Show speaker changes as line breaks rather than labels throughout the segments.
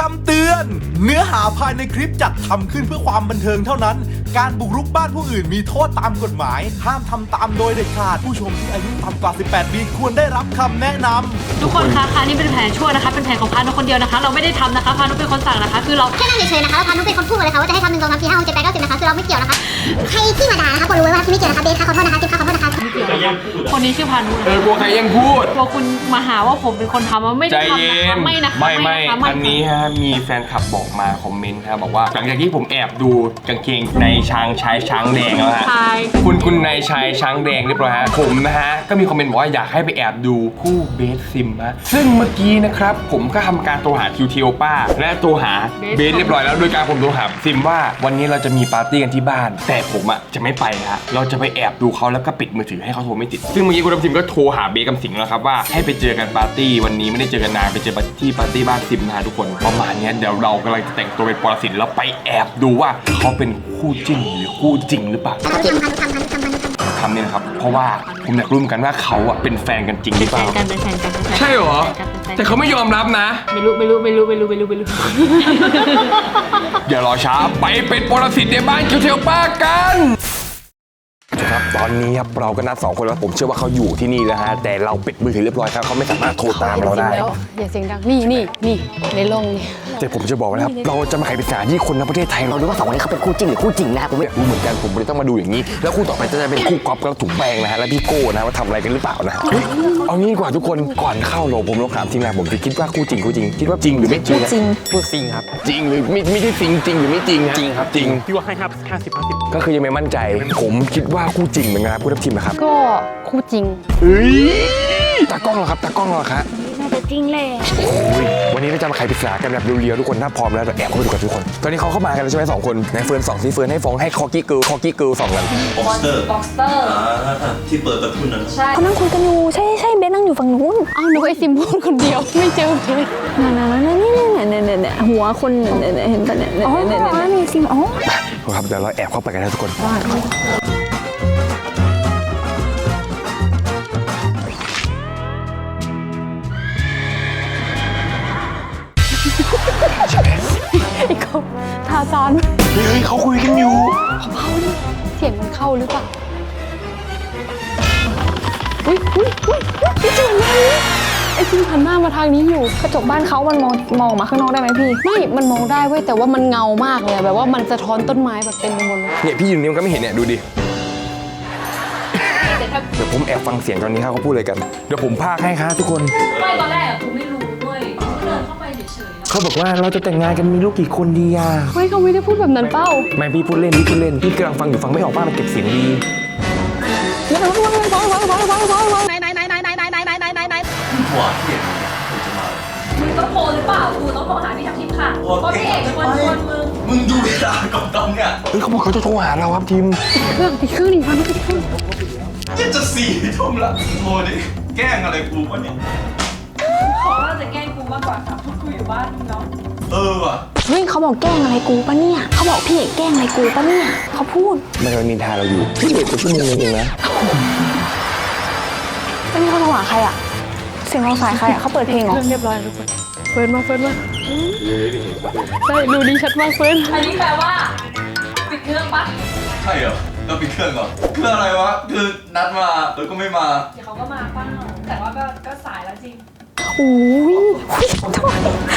ำเตือนเนื้อหาภายในคลิปจัดทำขึ้นเพื่อความบันเทิงเท่านั้นการบุกรุกบ้านผู้อื่นมีโทษตามกฎหมายห้ามทำตามโดยเด็ดขาดผู้ชมที่อายุต่ำกว่า 18 ปีควรได้รับคำแนะนำ
ทุกคนคะนี่เป็นแผนชั่วนะคะเป็นแผนของพานุคนเดียวนะคะเราไม่ได้ทำนะคะพานุเป็นคนสั่งนะคะคือเรา
แค่นั่งเฉยๆนะคะแล้วพานุเป็นคนพูดมาเลยค่ะว่าจะให้ทำ1 2 3 4 5 6 7 8 9 10นะคะคือเราไม่เกี่ยวนะคะใครที่มาด่านะคะควรรู้ไว้ว่าที่ไม่เกี่ยวนะคะเบสค่ะขอโทษนะคะเจมส์ค่ะขอโทษนะคะ
คนนี้ชื่อพานุ
กลัวใครยังพูด
กลัวคุณมาหาว่าผมเป็นคนทำว่าไม่ได้ทำนะคะไม่นะคะ
ไม่อันนี้ฮะมีแฟนคลับบอกมาคอมเมนต์ครับบอกว่าหลังจากที่ผมแอบดูกางเกงในช้างแดงแล้วฮะคุณในชายช้างแดงเรียบร้อยฮะผมนะฮะก็มีคอมเมนต์บอกว่าอยากให้ไปแอบดูคู่เบสซิมฮะซึ่งเมื่อกี้นะครับผมก็ทำการโทรหาคิวเทโอป้าและโทรหาเบสเรียบร้อยแล้วโดยการผมโทรหาซิมว่าวันนี้เราจะมีปาร์ตี้กันที่บ้านแต่ผมอ่ะจะไม่ไปฮะเราจะไปแอบดูเขาแล้วก็ปิดมือถือให้เขาโทรไม่ติดซึ่งเมื่อกี้คุณทัพทิมก็โทรหาเบสกับสิงห์แล้วครับว่าให้ไปเจอกันปาร์ตี้วันนี้ไม่ได้เจอกันนานไปเจอที่ปาร์ตี้บ้านซิมนะทุกคนประมาณนี้เดี๋ยวเรากำลังจะแต่งตัวเป็นปรสิตแล้วไปแอบดูว่าเขาเป็นคู่จิ้นหรือคู่จริงหรือเปล่าทำเนี่ยนะครับเพราะว่าผมอยากรู้เหมือนกันว่าเขาอ่ะเป็นแฟนกันจริงหรือเปล่า
เป็นแฟนกัน
ใช่เหรอแต่เขาไม่ยอมรับนะ
ไม่รู้
อย่ารอช้าไปเป็นปรสิตในบ้านคิวเทลป้ากันครับตอนนี้ครับเราก็นัด2 คนแล้วผมเชื่อว่าเขาอยู่ที่นี่แล้วฮะแต่เราปิดมือถือเรียบร้อยครับเขาไม่สามารถโทรตามเราได้
อย่าเสียงดังนี่ในโรงนี่
แต่ผมจะบอกนะครับเราจะมาไขปริศนาที่คนในประเทศไทยเราดูว่า2 คนนี้เขาเป็นคู่จริงหรือคู่จริงนะผมไม่รู้เหมือนกันผมเลยต้องมาดูอย่างนี้แล้วคู่ต่อไปจะเป็นคู่ก๊อฟกับถุงแป้งนะฮะและพี่โก้นะว่าทำอะไรกันหรือเปล่านะเอางี้ดีกว่าทุกคนก่อนเข้าโรงผมลองถามทีมงานผมจะคิดว่าคู่จริงคิดว่าจริงหรือไม่จริง
จริง
ครับจริงหรือไม่ใช่จริงหรือไม่จริงฮะ
จริงครับ
จริง
พี่ว่าให้ครับ50
ก็คือยังไม่มั่นใจผมคิดว่าคู่จริงเหมือนกันครับผู้ทัพทีมนะครับ
ก็คู่จริง
ตากล้องเหรอครับตากล้องเหรอครับ
น่าจะจริงเลย
โอ้ยวันนี้เราจะมาไขปริศนากันแบบเรียวๆทุกคนถ้าพร้อมแล้วเราแอบเข้าไปดูกันทุกคนตอนนี้เขาเข้ามากันแล้วใช่ไหม2 คนในเฟิร์น2ซิเฟิร์นให้ฟ้องให้คอกี้เกิร์ล2กัน
บ็อกสเตอร์ที่เปิดประทุนนั้น
ใช่เขานั่งคุยกันอยู่ใช่เบสนั่งอยู่ฝั่งนู้น
อ้าวนึกไอซิมพูดคนเดียวไม่เจอเบส
นี่หัวคนเห็นปะเนี่ยอ๋อมีซิมอ๋อ
ครับเดี๋ยวเราแอบเข้าไปกันนะทุกคน
ไอ้เขาทาซาน
เฮ้ยเขาคุยกันอยู่
เขาดิเสียงมันเข้าหรือเปล่าอุ้ยจริงเลยไอ้ซิมหันหน้ามาทางนี้อยู่
กระจกบ้านเขามันมองมาข้างนอกได้ไหมพี่
ไม่มันมองได้เว้ยแต่ว่ามันเงามากเลยแบบว่ามันสะท้อนต้นไม้แบบเต็มไปหมดเลย
เนี่ยพี่อยู่นี่มันก็ไม่เห็นเนี่ยดูดิเดี๋ยวผมแอบฟังเสียงตอนนี้เขาพูดอะไรกันเดี๋ยวผมพากให้ครับทุกคน
ไม่ตอนแรกกูไม่รู้ด้วยกูเดินเข้าไปเฉยๆ
เขาบอกว่าเราจะแต่งงานกันมีลูกกี่คนดีอ่ะ
เฮ้ยเขาไม่ได้พูดแบบนั้นเป้า
ไม่พี่พูดเล่นพี่กำลังฟังอยู่ฟังไม่ออกป้ามันเก็บเสียงดี
ไหน
หัวที่เห็นจะมา
มึงต้องโทรหรือเปล่ากูต้องโทรหาพี่ทัพทิมค่ะเพราะพี่เอกเป็นคนชวน
มึงดูเวลาก่อนตอนเนี่ย
เฮ้ยเขาบอกเขาจะโทรหาเราครับทีม
ปิดเครื่องดิฟังปิดเครื่อง
จะ4 ทุ่มละโทรดิแกล้งอะไรกูวะเนี่ย
เขาว่าจะแกล้งกูมากกว่าครับกูอยู่บ้านเนาะ
ว่ะ
เฮ้ยเขาบอกแกล้งอะไรกูปะเนี่ยเขาบอกพี่เอกแกล้งอะไรกูปะเนี่ยเขาพูด
มันนินทาเราอยู่พี่เด็กกว่าชั่วโมงเองนะ
ไม่มีคนโทรหาใครอ่ะเสียงเราสายใครอ่ะเขาเปิดเพลงเหรอ
เรียบร้อยทุกคนเฟิร์นมาใช่ดูดีชัดมากเฟิร์นอันนี้แปลว่าปิดเครื่องปะ
ใช่เหรอเราปิดเครื่องเหรอเครื่องอะไรวะคือนัดมาแล้วก็ไม่มา
เดี๋ยวเขาก็มาเปล่าแต่ว่าก็สายแล้วจริง
โอ้ยโทษ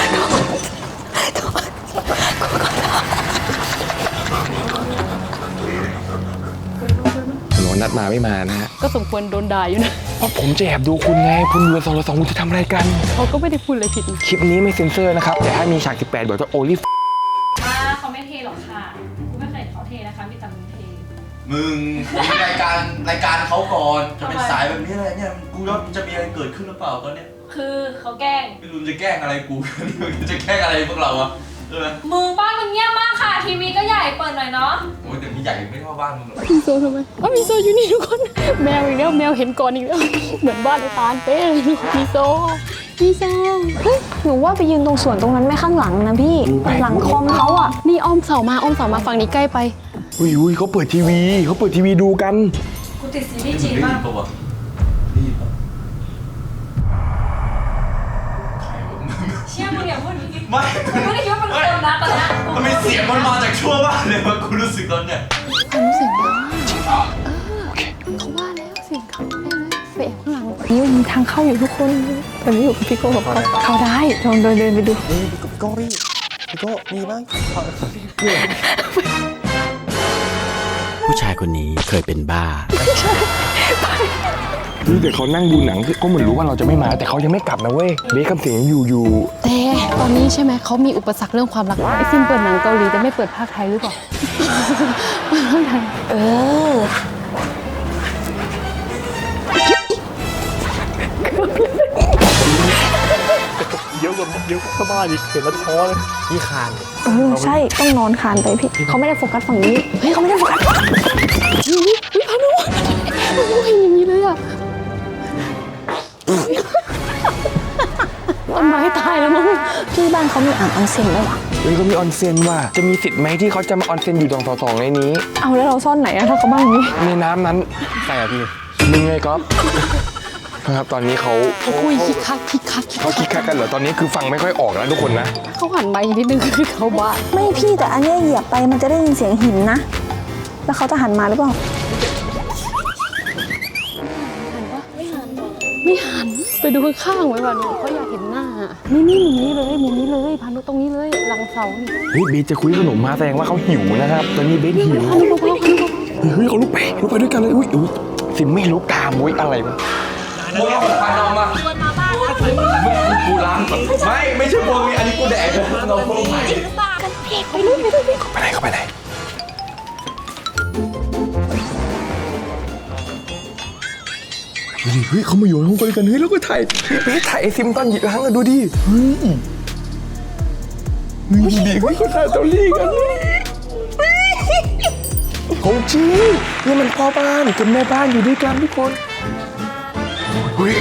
รอนัดมาไม่มานะฮะ
ก็สมควรโดนด่าอยู่นะ
เพราะผมจะแอบดูคุณไงคุณอยู่2 คุณจะทำอะไรกัน
เขาก็ไม่ได้พูดอะไรผิด
คลิปนี้ไม่เซ็นเซอร์นะครับแต่ถ้ามีฉาก18เดี๋ยวจะโอลิฟ
เขาไม่เทหรอกค่ะกูไม่เคยเห็นเขาเทนะคะมีแต่มึงเท
มึงรายการเขาก่อนจะเป็นสายแบบนี้อะไรเนี่ยกูว่าจะมีอะไรเกิดขึ้นหรือเปล่าตอนเนี้ย
คือเขาแกล้ง
ไม่รู้จะแกล้งอะไรกูจะแกล้งอะไรพวกเราอะ
มึงบ้านมึงเงียบมากค่ะทีวีก็ใหญ่เปิดหน่อยเนาะ
โอ้ยแต่พี่ใหญ่ไม่เท่าบ้านมึงหรอก
มีโซทำไมมีโซอยู่นี่ทุกคนแมวอีกแล้วแมวเห็นก่อนอีกแล้วเหมือนบ้านไอ้ตาลเป๊ะมีโซเ
ฮ้ยหนูว่าไปยืนตรงสวนตรงนั้นไม่ข้างหลังนะพี่หลังคอมเขาอ่ะ
นี่อ้อมเสามาฝั่งนี้ใกล้ไป
อุ้ยเขาเปิดทีวีดูกัน
กูติดซีรีส์จีนมากเชี่ยมึงอย่าพูดอย่างนี้
ไม่
ไม่ได้คิดว่าเป็นคนนะตอนนี้
มันมีเสียงมันมาจากชั่วบ้านเลยว่ากูรู้สึกตอนเนี้ย
ความรู้สึกว่าเขาว่าแล้วเสียงเขาแน่เลยไปแอบข้างหลังนี่มีทางเข้าอยู่ทุกคนตอนนี้อยู่กับพี่โก้กับเขาได้ลองเดินไปดู
พี่โก้มีบ้าง
ผู้ชายคนนี้เคยเป็นบ้า
นี่แต่เขานั่งดูหนังก็เหมือนรู้ว่าเราจะไม่มาแต่เขายังไม่กลับนะเว้ยเบคคำเสียงยังอยู่
แต่ตอนนี้ใช่ไหมเขามีอุปสรรคเรื่องความรักไอ้ฟิล์มเปิดหนังเกาหลีแต่ไม่เปิดภาคไทยหรือเปล่าภาคไทย
เยอะกว่าบ้านอีกเห็นแล้วท้อเลยนี่คาน
ใช่ ต้องนอนคานไปพี่ เขาไม่ได้โฟกัสฝั่งนี้
เฮ้ยเขาไม่ได้โฟกัสวิพานุโอ้ยอย่างนี้เลยอ่ะต้นไม้ตายแล้วมั้ง
พี่บ้านเขามีอ่างออนเซ็นด้วยวะ
เฮ้ยเขามีออนเซ็นว่ะจะมีสิทธิ์ไหมที่เขาจะมาออนเซ็นอยู่ตรงในนี้
เอาแล้วเราซ่อนไหนอะถ้าเขาบ้านอย่างนี้
ในน้ำนั้นใช่อะพี่มึงไงก๊อฟครับตอนนี้เขา
คุยคิกคัก
เขาคิดคักกันเหรอตอนนี้คือฟังไม่ค่อยออกแล้วทุกคนนะ
เขาหันมาอีกนิดนึงคือเขาบ้า
ไม่พี่แต่อันเนี้ยเหยียบไปมันจะได้ยินเสียงหินนะ แล้วเขาจะหันมาหรือเปล่า
ไม่หันไปดูข้างๆไว้วันเขาอยากเห็นหน้านี่มุมนี้เลยพานุตรงนี้เลยหลังเสานี่
เฮ้ยเบสจะคุยขนมมาแสดงว่าเขาหิวนะครับตอนนี้เบสหิว
พานุบอก
เฮ้ยเขาลุกไปด้วยกันเลยอุ้ยสิไม่ลุกตามอุ้ยอะไรวะ
มึงเอาของพันออกมากูล้างก่อนไม่ใช่พวกนี้อันนี้กูแดกเราพวกใหม่
เข้าไปไหนดูดิเฮ้ยเขามาอยู่ในห้องกันเฮ้ยแล้วก็ถ่ายเบสถ่ายไอซิมตอนหยิบล้างอะดูดิเฮ้ยดูดิเฮ้ยเขาถ่ายเตาลี่กันของจริงนี่มันพ่อบ้านกับแม่บ้านอยู่ด้วยกันทุกคนเฮ้ย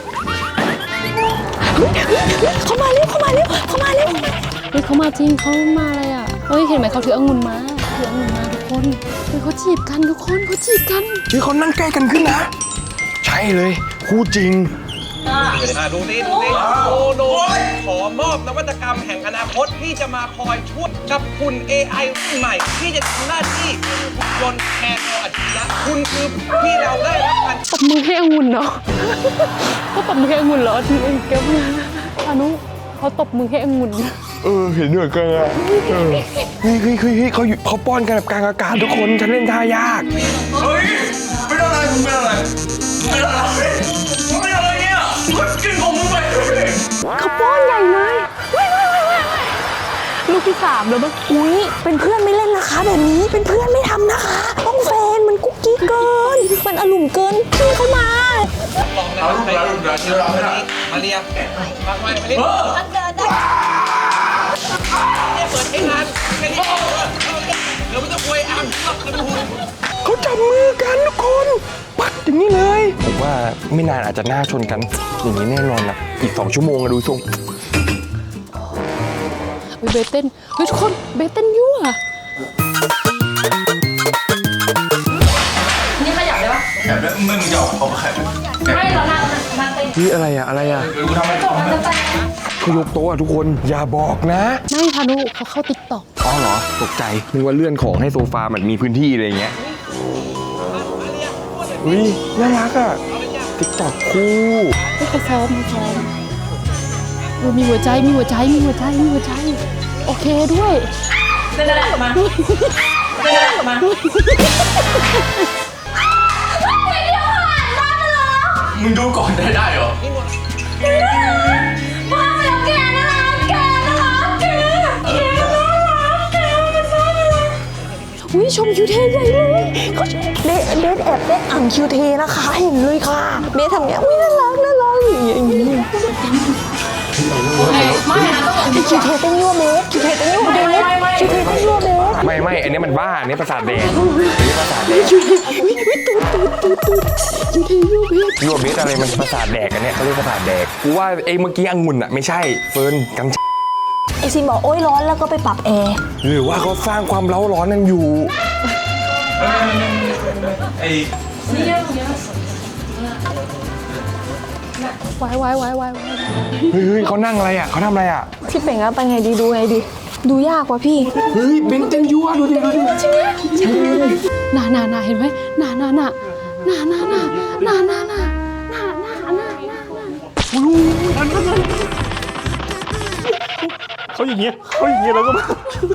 เขามาเร็วเฮ้ยเขามาจริงเขามาอะไรอ่ะเฮ้ยเห็นไหมเขาถือองุ่นมาทุกคนเฮ้ยเขาจีบกันทุกคนเขาจีบกัน
เฮ้ยเขานั่งใกล้กันขึ้นนะใช่เลยคู่จริง
ดูสิโดขอมอบนวัตกรรมแห่งอนาคตที่จะมาคอยช่วยกับคุณ AI ใหม่ที่จะทำหน้าที่ยนต์แทนเราอัจฉริยะคุณคือที่เราได้รับการ
ปรบมือให้องุ่นเนาะเขาปรบมือให้องุ่นเหรอแกพานุเขาตบมือให้องุ่น
เห็นด้วยกันอ่ะเฮ้ยเขาป้อนกันแบบกลางอากาศทุกคนฉันเล่นท่ายาก
เฮ้ยไม่ได้อะไรมึงเป็นอะไรเนี่ยกินของมึงไป
เขาป้อนใหญ่เลย
ลูกที่3แล้วมั้ง
อุ๊ย เป็นเพื่อนไม่เล่นนะคะแบบนี้ เป็นเพื่อนไม่ทำนะคะ ต้องแฟนมันกุ๊กกิ๊กเกิน มันอารมณ์เกิน พี่เขามา
ลองนะมาเรียมาเรียเนี่ยเปิดให้งานแค่นี้เดี๋ยวไม่ต้องอวยอ้างหรอกนะคุณ
เขาจับมือกันทุกคนปักอย่างนี้เลยผมว่าไม่นานอาจจะหน้าชนกันอย่างนี้แน่นอนนะอีก2 ชั่วโมงอะดูทรง
เบสเต้นเฮ้ยทุกคนเบสเต้นยั่ว
นี่ขยับได้ปะ
แอบแล้วมึงหยอกเขาแขก
ไม่เรานั่งเต้น
นี่อะไรอะ
กูทำอะไร
เขายกโต๊ะอะทุกคนอย่าบอกนะ
ไม่พานุเขาเข้าติ๊กต็อก
อ๋อเหรอตกใจนึกว่าเลื่อนของให้โซฟามันมีพื้นที่อะไรอย่างเงี้ยอุ้ยน่ารักอะติ๊กต็อกคู่
เขาซ้อมมีหัวใจโอเคด้วย
เดินออกมา
มึงดูก่อนได้เหรอ
อุ๊ยชมคิวเทใหญ่เลยเขาเบสแอบเล่นอ่างคิวเทนะคะ เห็นเลยค่ะ เบสทำเงี้ยอุ๊ยน่ารักอย่างนี้
ไม่นะต้องบอก
คิวเทเต้นยั่วเบสคิวเทเต้นยั่วเบสคิวเทเต้นยั่วเบส
ไม่อันนี้มันบ้าอันนี้ประสาทแดงอันนี้ประสาทแดง
คิวเทยั่วเบส
ยูเบสอะไรมันประสาทแดกอันเนี้ยเขาเรียกประสาทแดกกูว่าไอ้เมื่อกี้องุ่นอะไม่ใช่เฟิร์นกัน
ไอซินบอกโอ๊ยร้อนแล้วก็ไปปรับแอร์
หรือว่าเขาสร้างความเร้าร้อนกันอยู่
ไอ้
วาย
เฮ้ยเขานั่งอะไรอ่ะเขาทำอะไรอ่ะ
พี่เป่งอะไปไงดีดูไงดีดูยากว่ะพี่
เฮ้ยเบนเต็มยั่วดูดิดูดิ
จริงไหมใช่น่าเห็นไหมน่า
เขาอย่างเงี้ยแล้วก็แบบ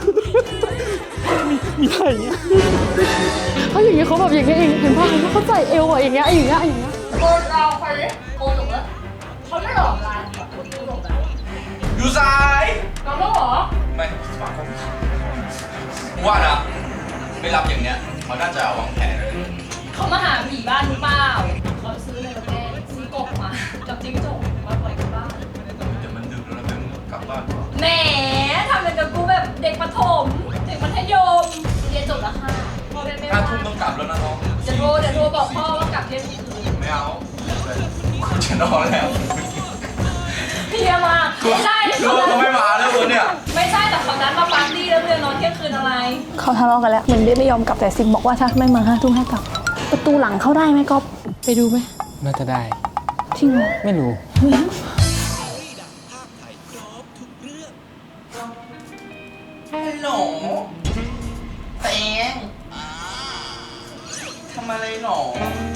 มีท่าอย่างเงี้ย
เขาอย่างเงี้ยเขาแบบอย่างเงี้ยเองเห็นป่ะเขาใส่เอวอะอย่างเงี้ย
โกนเราใครโกนถูกแล้วเขาไม่หลอกลายแบบคนดูหลอกแบบ
อยู่ซ้าย
เราต้องหรอ
ไม่สมาคมว่านะไม่รับอย่างเนี้ยเขาน่าจะวางแผนเลย
เขามาหาผีบ้านหรือเปล่าเขาซื้อในประเทศซื้อกบมากับจิ้งจกมาปล่อยที่บ้าน
เดี๋ยวมันดึกแล้วนะเพิ่งกลับบ้านก่อน
แหมทำเป็นกับกูแบบเด็กประถมเด็กมัธยมเรียนจบแล้วค่ะพ่อแม่ไม่ว่า
5 ทุ่มต้องกลับแล้วนะน้อง
เดี๋ยวโทรบอกพ่อว่ากลับเที่ยงคืน
ไม่เอากูจะนอนแล้ว
เพียมากไม่ใช่
ลูกก็ไม่มาแล้วคนเนี่ย
ไม่ใช่แต่เขานัดมาปาร์ตี้แล้วเรียนนอนเที่ยงคืนอะไร
เขาทะเลาะกันแล้วเหมือนเบสไม่ยอมกลับแต่ซิมบอกว่าถ้าไม่มา5 ทุ่มให้กลับ ประตูหลังเข้าได้ไหมก๊อฟไปดูไหม
น่าจะได้
จริงเหรอ
ไม่รู้
ฮัลโหลแตงทำอะไรหนอ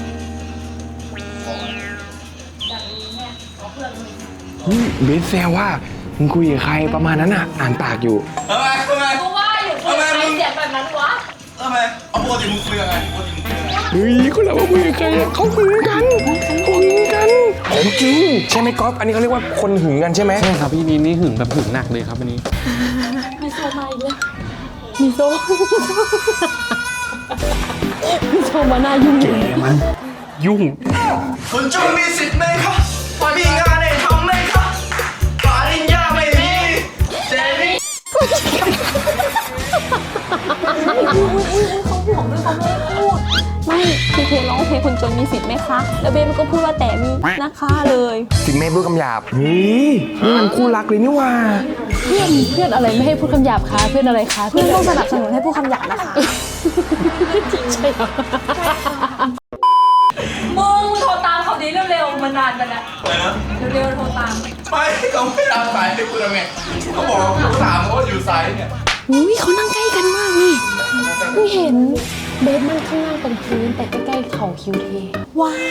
เบนแซวว่ามึงคุยกับใครประมาณนั้นอ่ะอ่านปากอยู่
ทำไม
กูว่าอยู่คุยกับใครเสียงแบบนั้นวะ
เอาปกติมึงคุยยังไงปกติมึงคุยยังไง
เฮ้ยคนเราคุยกับใครเขาหึงกันของจริงใช่ไหมก๊อฟอันนี้เขาเรียกว่าคนหึงกันใช่ไหม
ใช่ครับพี่นี่หึงแบบหึงหนักเลยครับอันนี้
มีโซมาอีกแล้วมีโซมาหน้ายุ่งอยู่
มันยุ่ง
คนจนมีสิทธิ์ไหมคะมีงานให้ทำไหมคะปริญญาไม่มีเจนี่
ไม่พี่เคร้องเพลงคนจนมีสิทธิ์ไหมคะ แล้วเบสมันก็พูดว่าแต่มีนะคะเลย
สิแม่พูดคำหยาบเฮ้ยมันคู่รักเลยนี่ว่า
เพื่อนอะไรไม่ให้พูดคำหยาบคะเพื่อนอะไรคะ
เพื่อนต้องสนับสนุนให้พูดคำหยาบนะคะ
จริงใช่เหรอ
มึงโทรตามเขาดีเร็วๆมันนานไปแล้ว
อะไรนะ
เร็วๆโทรตาม
ไม่เขาไม่รับสายให้กูทำไงเขาบอกว่ากูถามเขาว่าอยู่สายเนี่ย
อุ้ยเขานั่งใกล้กันมากนี่ไม่เห็นเบสนั่งข้างล่างเป็นพื้นแต่ใกล้ๆเข่าคิวเทว้า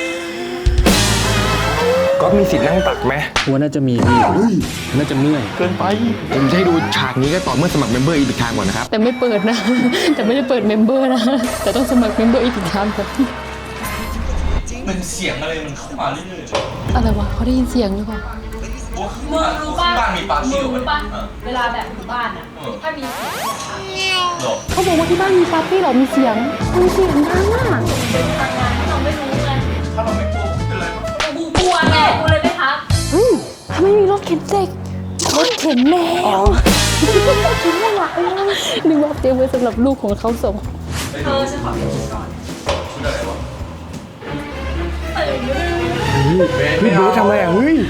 ก๊อฟมีสิทธิ์นั่งตักไหม
ว่าน่าจะมีพี่น่าจะเมื่อย
เกินไปผมจะให้ดูฉากนี้ก็ต่อเมื่อสมัครเมมเบอร์อีพิกทางก่อนนะครับ
แต่ไม่เปิดนะ แต่ไม่ได้เปิดเมมเบอร์นะ แต่ต้องสมัครเมมเบอร์อีกทางก่อน
มันเสียงอะไรมันเข้ามาเรื่อยๆ
อะไรวะเขาได้ยินเสียงหรือเปล่า
มึงรู้ป่ะ
บ้านมีปาร์ตี้
มึง
เหรอ
รู้ป่ะ
เออ
เวลาแบบอยู่บ้านอ่ะ ถ้ามีเสียงบอกค่ะ
หรอ
เขาบอกว่าที่บ้านมีปาร์ตี้เหรอมีเสียงดังอ่ะ
เป็นทำงานที่เราไม่รู้ไง
ถ้าเราไม่กลัวกูเป็นไรมั้ย
กูกลัวไงกูเลยไม่ทัก
เฮ้ยทำไมมีรถเข็นเด็กรถเข็นแมวคิดว่าหลักนึกว่าเตรียมไว้สำหรับลูกของเขาส่ง
เธอฉันขอเปลี่ยนชุดก่อน
ชุดอะไรวะ
ตื่นอยู่
พี่เบสทำอะไรอ่ะเฮ้ย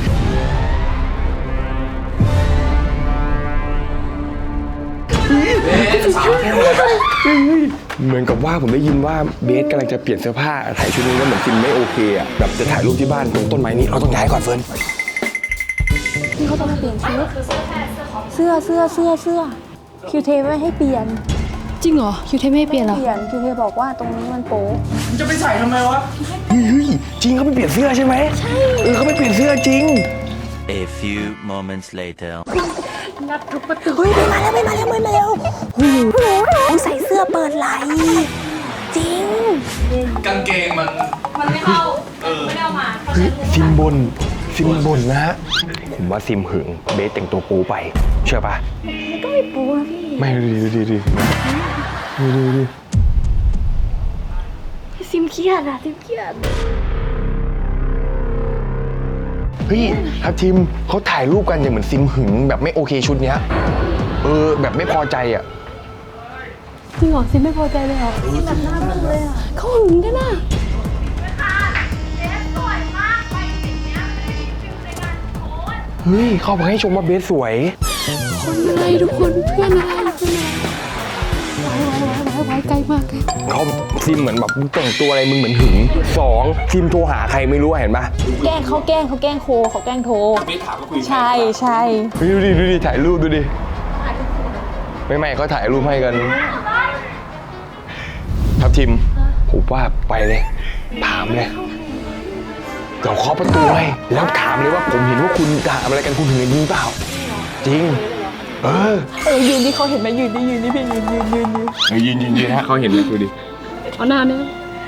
เหมือนกับว่าผมได้ยินว่าเบสกำลังจะเปลี่ยนเสื้อผ้าถ่ายชุดนี้แล้วเหมือนฟิล์มไม่โอเคอ่ะแบบจะถ่ายรูปที่บ้านตรงต้นไม้นี้เราต้องย้ายก่อนเฟิร์น
นี่เขาต้องมาเปลี่ยนชุด
คือเสื้อแค่เสื้อของ
เสื้อคิวเทไม่ให้เปลี่ยน
จริงเหรอคิวเทไม่ให้เปลี่ยนเหรอ
เปลี่ยนคิวเทบอกว่าตรงนี้มันโป๊ะ
มึงจะไปใส่ทำไมวะ
เฮ้ยจริงเขาไปเปลี่ยนเสื้อใช่ไหมใช่เขาไปเปลี่ยนเสื้อจริง
A few moments later
เฮ้ยไม่มาแล้วหูต้องใส่เสื้อเปิดไหล่จริง
กางเกงมัน
มันไม่เข้าไม่ได้เอามาเพราะฉันรู้
ซิมบนนะฮะผมว่าซิมหึงเบสแต่งตัวปูไปเชื่อปะ
ก็ไม่โป๊ะนะพี่
ไม่ดูดิ
ซิมเครียดอะซิมเครียด
เฮ้ยทัพทีมเขาถ่ายรูปกันอย่างเหมือนซิมหึงแบบไม่โอเคชุดเนี้ยแบบไม่พอใจอ่ะ
จริงเหรอซิมไม่พอใจเลยเหรอ
ซิมแบบหน้ามึนเลยอะ
เขาหึงกันน่ะ
เฮ้ยเขาบอกให้ชมว่าเบสสวย
คนอะไรทุกคนเพื่อนอะไรไว้ไว้ไว้ไว้ใจกล้มาก
เขาซิมเหมือนแบบมึงแต่งตัวอะไรมึงเหมือนหึง2ซิมโทรหาใครไม่รู้เห็นปะ
แกล้งเขาแกล้งโคเขาแกล้งโทร
ไม่ถามก็คุย
ใช่ใช่
ดูดิถ่ายรูปดูดิไม่เขาถ่ายรูปให้กันทับทิมผมว่าไปเลยถามเลยเดี๋ยวเคาะประตูให้แล้วถามเลยว่าผมเห็นว่าคุณถามอะไรกันคุณถึงจริงเปล่าจริง
ยืนที่เขาเห็นไหมยืนพี่ยืน
ยืนฮะเขาเห็นไหมดูดิ
เอาหน้าเนี่ย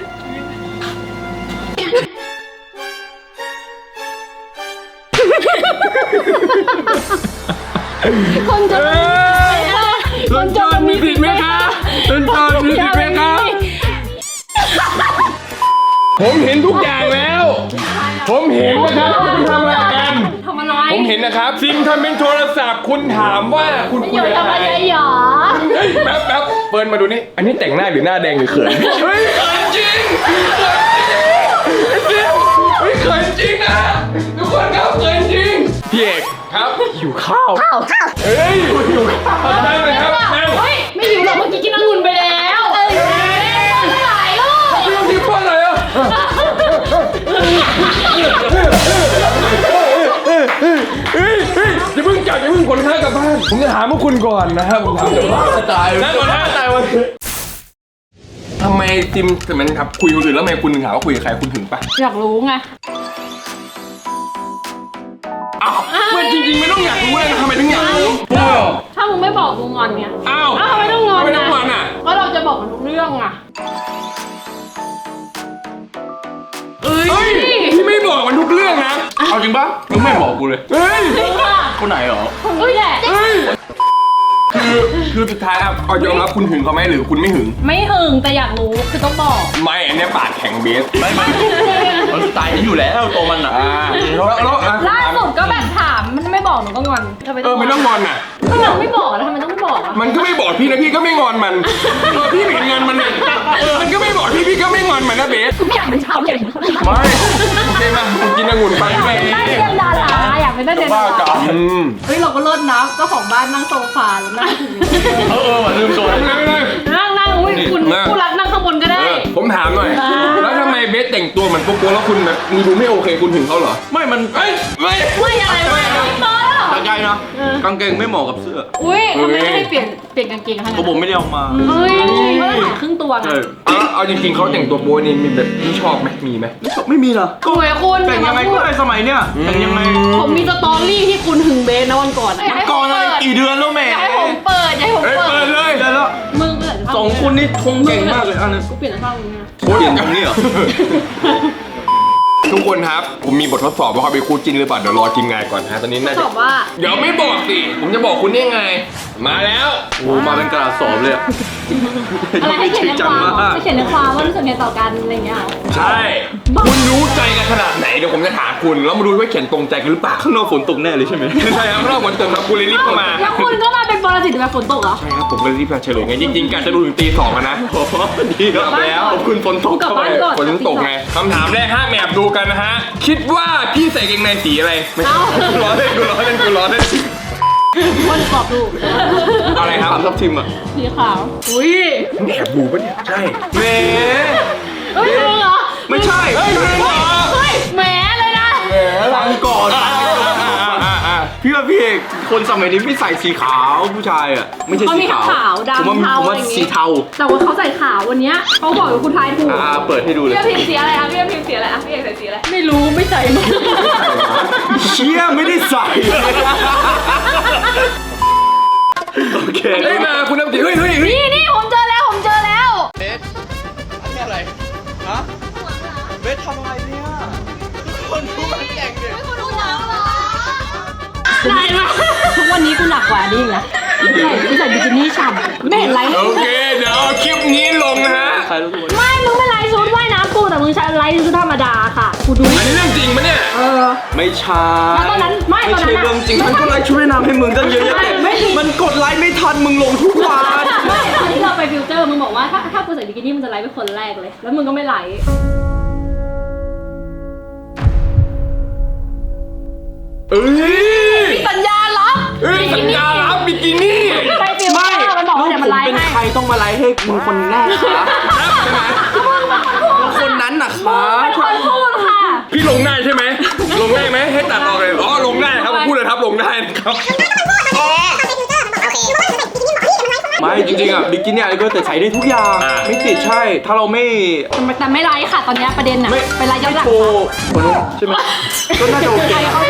คนจนมีผิดไหมคะคนจนมีผิดไหมคะ
ผมเห็นทุกอย่างแล้ว ผมเห็นนะครับคุณทำอะไรกัน
ทำอะไร
ผมเห็นนะครับซิมทำเป็นโทรศัพท์คุณถามว่าคุณคุยอะไร
หรอ
แป๊บเปิดมาดูนี่อันนี้แต่งหน้าหรือหน้าแดงหรือเขินเฮ้ยเขินจริงเขินจริงนะทุกคนครับเขินจริงพี่เอกครับหิวข้าวเฮ้ยหิวข้าวได้ไหมครับ
เฮ้ยไม่หิวหรอกเมื่อกี้กินองุ่นไปแล้วหลายลูก
ไม่ต้องกินเพราะอะไรอ่ะอย่าเพิ่งจับอย่าเพิ่งขนข้าวกลับบ้านผมจะถามพวกคุณก่อนนะครับผมถามจะบ้าตายนั่นก่อนนะตายวันทำไมจิมแต่มันครับคุยคนอื่นแล้วทำไมคุณถึงถามว่าคุยกับใครคุณถึงปะ
อยากรู้ไง
อ้าวไม่จริงๆไม่ต้องอยากรู้เลยทำไมถึงอยากรู้
ถ้ามึงไม่บอกมึงงอนไง
อ้าว
ทำไมต้องงอน
ไม่ต้องงอนอ่ะ
เพราะเราจะบอกมันทุกเรื่องอ่ะ
พี่ไม่บอกมันทุกเรื่องนะเอาจริงปะมึงไม่บอกกูเลยเฮ้ยคนไหนหรอ
คนแหละ
คือสุดท้ายครับเอายอมรับคุณหึงเขาไหมหรือคุณไม่หึง
ไม่หึงแต่อยากรู้คือต้องบอก
ไม่อันนี้ปากแข็งเบสไม่
มันสไตล์นี้อยู่แล้วตัวมันอ่ะ
ล่าสุดก็แบบถามมันไม่บอกหนูก็งอน
ไม่ต้องงอนอ่ะ
ถ้ามันไม่บอกแล้วทำไมต้องไม่บอกอ่ะ
มันก็ไม่บอกพี่นะพี่ก็ไม่งอนมันพี่เห็นเงินมันเนี่ยมันก็ไม่บอกพี่ก็ไม่งอนมันนะเบส
ไม่อยากเป็นชาวเก่ง
ไม่โอเคมากินองุ่นไป
ไม่ได้เรียนดาราอยากเป็นนักเรียนดาราเฮ้ยเราก็เลิศนะเจ้าของบ้านนั่งโซฟาแล้วนั่ง
ลืมตัว
นั่งอุ้ยคุณผู้รักนั่งข้างบนก็ได้
ผมถามหน่อยแล้วทำไมเบสแต่งตัวเหมือนโป๊ะแล้วคุณแบบมีดูไม่โอเคคุณถึงเขาเหรอ
ไม่มัน
ไม่อะไรไม่
ตาใจนะกางเกงไม่เหมาะกับเสื้อ
อุ้ยทำไมไม่ให้เปลี่ยนกางเกงให้
ผมไม่ได้เอามา
เฮ้ยเขาถ่ายครึ่งตัวไง
เอาจริงๆเขาแต่งตัวโป๊นี่มีแบบที่ชอบไหมมีไหม
ไม่มีเหรอ
สวยคุณ
แต่งยังไงก็ได้สมัยเนี้ยแต่งยังไง
ผมมีสตอรี่ที่คุณหึงเบสนะวันก่อน
อะไรกี่เดือนแล้วแม่
ให้ผมเปิด
เลยได้แล้ว
มึงเปิด
สองคนนี่ทงเก่งมากเลยอันนี้
กูเปลี่ยนช่องมึงนะ
เปลี่ยนตรงนี้เหรอ
ทุกคนครับผมมีบททดสอบว่าเขาเป็นคู่จิ้นหรือเปล่าเดี๋ยวรอทีมงานก่อนฮะตอนนี้น่าจะ
ตอบว่า
เดี๋ยวไม่บอกสิผมจะบอกคุณได้ไงมาแล้ว
โอ้มาเป็นกระดาษสอบเลย
อะไรให้เขียนในความให้เขียนในความว่ารู้สึกไงต่อกันอะไรเงี้ย
ใช่คุณรู้ใจกันขนาดไหนเดี๋ยวผมจะถามคุณแล้วมาดูว่าเขียนตรงใจกันหรือเปล่า
ข้างนอกฝนตกแน่เลยใช่ไหม
ใช่ครับข้างนอกฝนตกครับคุณเลยรีบเข้ามา
แล้วคุณก็มาเป็นปรสิตแบบฝนตกเหรอ
ใช่ครับผมก็รีบมาเฉลยไงจริงๆการจะดูถึงตี 2นะ
โอ้ดีครับแล้วขอบคุณฝนตกเข้าไป
ฝนตกไงคำถามแรก5แมปดูกันนะฮะคิดว่าพี่ใส่กางเกงในสีอะไรไม่ใช่ล้อเล่น
คนตอบถูก
อะไรครับ
ทับทิมอ่ะ
สีขาวอุ้ย
แอบดูปะเนี่ยใช่
แหม
เฮ้ยเหรอ
ไม่ใช่
เฮ้ยแหมเลยนะ
ฟังก่อนพี่ว่าพี่เอกคนสมัยนี้ไม่ใส่สีขาวผู้ชายอ่ะไม่ใช่สี
ขาวดำเทา
ผมว่าสีเทา
แต่ว่าเขาใส่ขาววันนี้เขาบอกว่าคุณทายถูก
เปิดให้ดูเลย
พี่พิมพ์สีอะไรอ่ะพี่พิมพ์สีอะไรอ่ะพี่เอกใส่สีอะไรไม่รู้ไม่ใส่มา
เชี่ยไม่ได้ใส่โอเค
ได้มาคุณน้ำจิเฮ้ย
นี่ผมเจอแล้ว
เบสอันนี้อะไรฮะเบสทำอะไรเนี่ยคนดูมันแข่งเลย
คนดูหนังเหรอได้ไหมทุกวันนี้กูหนักกว่านี้อีกนะกูใส่บิกินี่ฉ่ำไม่เห็นไร
โอเคเดี๋ยวคลิปนี้ลงนะฮะ
ไม่มึงไม่ไลฟ์ชุดว่ายน้ำกูแต่มึงใช้ไลฟ์ชุดธรรมดาค่ะกูดู
อันนี้เรื่องจริงปะเนี่ย
ไม่ใช่
ตอนนั้นไม่
ใช่เรื่องจริงมันก็ไลฟ์ชุดว่ายน้ำให้มึงตั้งเยอะแยะมันกดไลฟ์ไม่ทันมึงลงทุกวัน
ไม่ตอนที่เราไปฟิวเจอร์มึงบอกว่าถ้ากูใส่บิกินี่มึงจะไลฟ์เป็นคนแรกเลยแล้วมึงก็ไม่ไลฟ์สัญญารับ
บิกินี่
ไปฟิวเจอร์มันบอกว่าเดี๋ยวมันไลฟ์ให้
เป็นใครต้องมาไลฟ์ให้มึงคนแรกคะคนนั้นน่ะคะ
คนพูดค่ะ
พี่ลงได้ใช่ไหมลงได้ไหมให้ตัดออกเลยอ๋อลงได้ครับพูดเลยครับลงได้นะครับ
ไม่จริงๆอ่ะบิกินี่อะไรก็แต่ใช้ได้ทุกอย่างไม่ติดใช่ถ้าเราไม่
แต่ไม่ไลฟ์ค่ะตอนนี้ประเด็นน่ะเป็นไลฟ์ย้อนหลัง
โชว์คนนู้นใช่ไหมก็น่าจะโอเค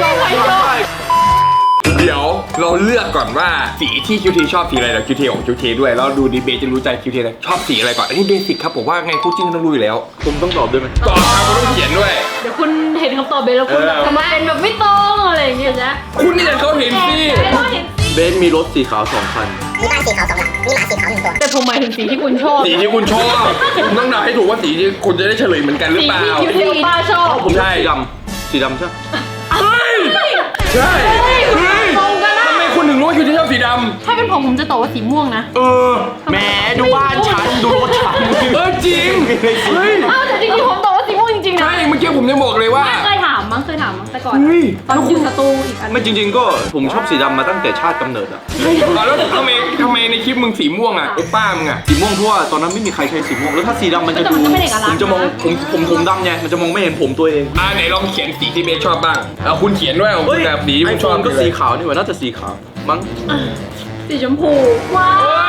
เดี๋ยวเราเลือกก่อนว่าสีที่คิวทีชอบสีอะไรเดี๋ยวคิวทีของคิวทีด้วยแล้วดูดีเบจะรู้ใจคิวทีเลยชอบสีอะไรก่อนอันนี้เบสิกครับผมว่าไงคู่จิ้นต้องรู้อยู่แล้ว
ผมต้องตอบด้วยไหม
ตอบครับคุณต้องเขียนด้วย
เดี๋ยวคุณเห็นคำตอบเบลแล้วคุณแบบทำไมเป็นแบบไม่ตรงอะไรอย่างเงี้ยนะ
คุณนี่เขาเห็นสิ
เบสมีรถสีขาว2 คัน
มีบ้านสีขาว2 หลัง มีหมาสีขาว1 ตัว
แต่ผมหมายถึงสีที่คุณชอบ
สีที่คุณชอบคุณต้องเดาให้ถูกว่าสีที่คุณจะได้เฉลยเหมือนกันหรือ
สี
เปล่า
ที่คิวเทป้าชอบ
ผมชอบสีดำใช่ไหม
เฮ้ยใช่เฮ้ย
ตรงกันนะ
ทำไมคุณถึงรู้ว่าคิวทีชอบสีด
ถ้าเป็นผมจะตอบว่าสีม่วงนะ
ำ
แหมดูบ้านฉันดูรถฉัน
จริงเฮ้ย
อ้าวแต่จริงๆผมตอบว่าสีม่วงจริงๆนะ
ใช่เมื่อกี้ผมจะบอกเลยว่า
เคยถามมั้งแต่ก่อนตอนอยู่สตูอีกอัน
ไม่จริงๆก็ผมชอบสีดำมาตั้งแต่ชาติกำเนิดอะ
แล้วทำไมในคลิปมึงสีม่วงอ่ะไอ้ป้ามึงอ่ะ
สีม่วงเพราะว่าตอนนั้นไม่มีใครใช้สีม่วงแล้วถ้าสีดำมันจะ
แต่
ดู
มันก็ไม่ได้เอกลักษณ์
ผมจะมองผมดำไงมันจะมองไม่เห็นผมตัวเอง
ไหนลองเขียนสีที่เบสชอบบ้างเอาคุณเขียนด้วยของคุณแบบสี
ไอ
คุณ
โฟ
ชอบ
นก็สีขาวนี่หว่าน่าจะสีขาวมั้ง
สีชมพูว้าว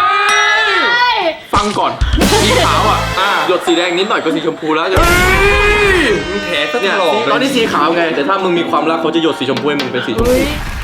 ฟังก่อนสีขาวอ่ะหยดสีแดงนิดหน่อยก็สีชมพูแล้วจะ
มึงแถซะต
เนี่ย
ลอด
ตอนนี้สีขาวไงแต่ถ้ามึงมีความรักเขาจะหยดสีชมพูให้มึงเป็นสีชมพู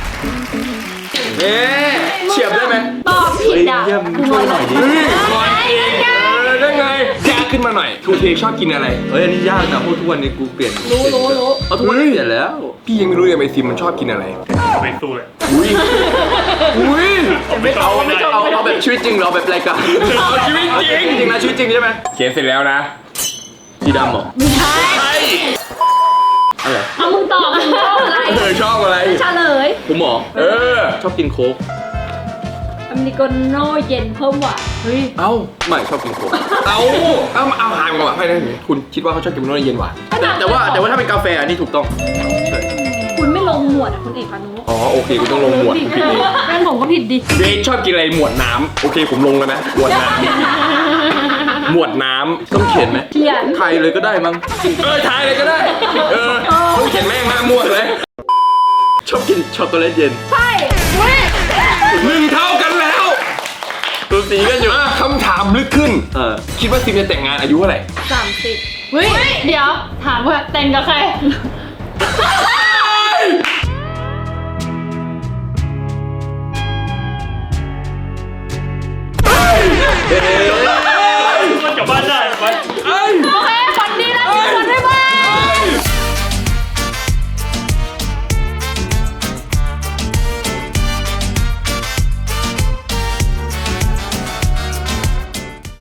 เฉียบได้ไหม
ตอบผิดอ่ะ
เยี่ยมช่วยหน่อยดิ
เฮ้ยก่อนเองได้ไงยากขึ้นมาหน่อยทูเทชอบกินอะไร
เฮ้ยอันนี้ยากนะเพราะทุกวันนี้กูเปลี่ยน
รู้
เอาทุกวันนี้เปลี่ยนแล้ว
พี่ยังไม่รู้เลยไอซิมมันชอบกินอะไร
ไม่สู้เลย
อุ้ยอุ้ย
เอาแบบชีวิตจริงหรอแบบรายการ
เอาชีวิตจริง
จริงนะชีวิตจริงใช่ไหม
เขียนเสร็จแล้วนะ
สีดำเหรอ
ไม่ใช่
ใช่
อะไร
เอามึงตอบมึงชอบอะไร
ชอบอะไร
เฉลย
ผมเหรอ ชอบกินโค้ก
อเมริกาโน่เย็นเพิ่มหวานเฮ้ย
เอ้าไม่ชอบกินโค้ก
เอาหางก่อนให้ได้คุณคิดว่าเขาชอบกินโน้นเย็นหวาน
แต่ว่าถ้าเป็นกาแฟอันนี้ถูกต้องใช่
คุณไม่ลงหมวดอ่ะคุณเอกพานุ
อ๋อโอเคคุณต้องลงหมวด
ผิด
ผิดเอง
งั้นผมก็ผิดดิ
เบสชอบกินอะไรหมวดน้ำโอเคผมลงแล้วนะหมวดน้ำหมวดน้ำ
ต้องเขียนไหม
เขียน
ไทยเลยก็ได้มั้ง
ทายเลยก็ได้ต้องเขียนแม่งมามั่วเลย
ชอบกินช็อกโกแลตเย็น
ใช่เว้ย
1 เท่ากันแล้ว
ตัวสีกันอยู่
คำถามลึกขึ้น คิดว่าซิมจะแต่งงานอายุเท่าไหร่
30เฮ้ยเดี๋ยวถามว่าแต่งกับใคร
เฮ้